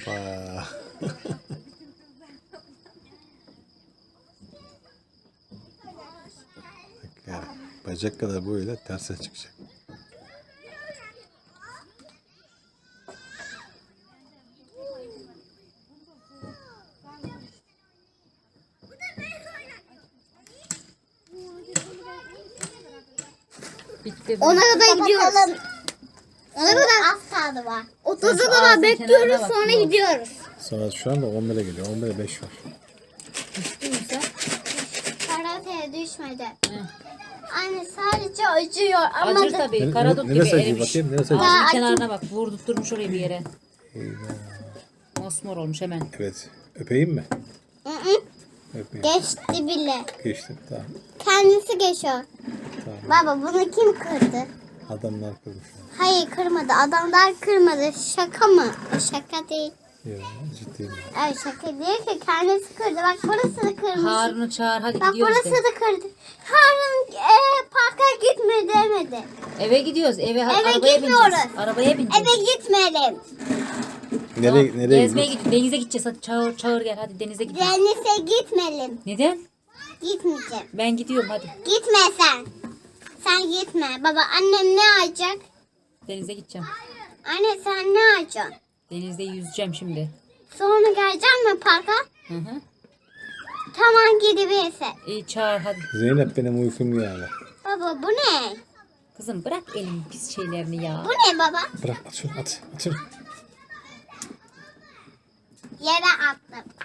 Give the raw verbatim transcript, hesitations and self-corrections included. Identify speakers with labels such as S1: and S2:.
S1: Hoppa. Yani bacak kadar böyle terse çıkacak.
S2: Bitti.
S3: Ona kadar gidiyoruz. Ona kadar az kaldı var. otuza kadar bekliyoruz sonra gidiyoruz.
S1: Saat şu anda on bire geliyor. on bire beş var.
S3: Karateye düşmedi. Anne sadece acıyor ama
S2: Acır
S3: da-
S2: tabii.
S1: Ne-
S2: Karadut
S1: ne-
S2: gibi
S1: neresi acıyor
S2: erimiş.
S1: bakayım, neresi acıyor?
S2: Ağzının
S3: Daha
S2: kenarına bak. Vurdurtturmuş oraya bir yere.
S1: Eyvah.
S2: Mosmor olmuş hemen.
S1: Evet. Öpeyim mi?
S3: Hı hı.
S1: Öpeyim.
S3: Geçti bile.
S1: Geçtim. Tamam.
S3: Kendisi geçiyor.
S1: Tamam.
S3: Baba bunu kim kırdı?
S1: Adamlar kırmış.
S3: Hayır kırmadı. Adamlar kırmadı. Şaka mı? Şaka değil.
S1: Yok ciddiyim.
S3: Ay şaka değil ki kendisi kırdı. Bak burası da kırmış.
S2: Harun'u çağır hadi
S3: Bak
S2: gidiyoruz
S3: burası
S2: de.
S3: da kırdı. Harun e, parka gitme demedi.
S2: Eve gidiyoruz. Eve,
S3: Eve
S2: arabaya
S3: gitmiyoruz.
S2: bineceğiz. Arabaya bineceğiz.
S3: Eve gitmeyelim.
S1: Nereye, nereye
S2: Gezmeye
S1: gidiyoruz?
S2: gidiyoruz. Denize gideceğiz. Hadi çağır çağır gel. Hadi denize gidiyoruz.
S3: Denize gitmeyelim.
S2: Neden?
S3: Gitmeyeceğim.
S2: Ben gidiyorum hadi.
S3: Gitme sen. Sen gitme. Baba annem ne alacak?
S2: Denize gideceğim.
S3: Anne sen ne alacaksın?
S2: Denizde yüzeceğim şimdi.
S3: Sonra geleceksin mi parka?
S2: Hı hı.
S3: Tamam gidebilirsin.
S2: İyi çağır hadi.
S1: Zeynep benim uykum geldi.
S3: Baba bu ne?
S2: Kızım bırak elin pis şeylerini ya.
S3: Bu ne baba?
S1: Bırak at şunu at. At şunu.
S3: Yere attım.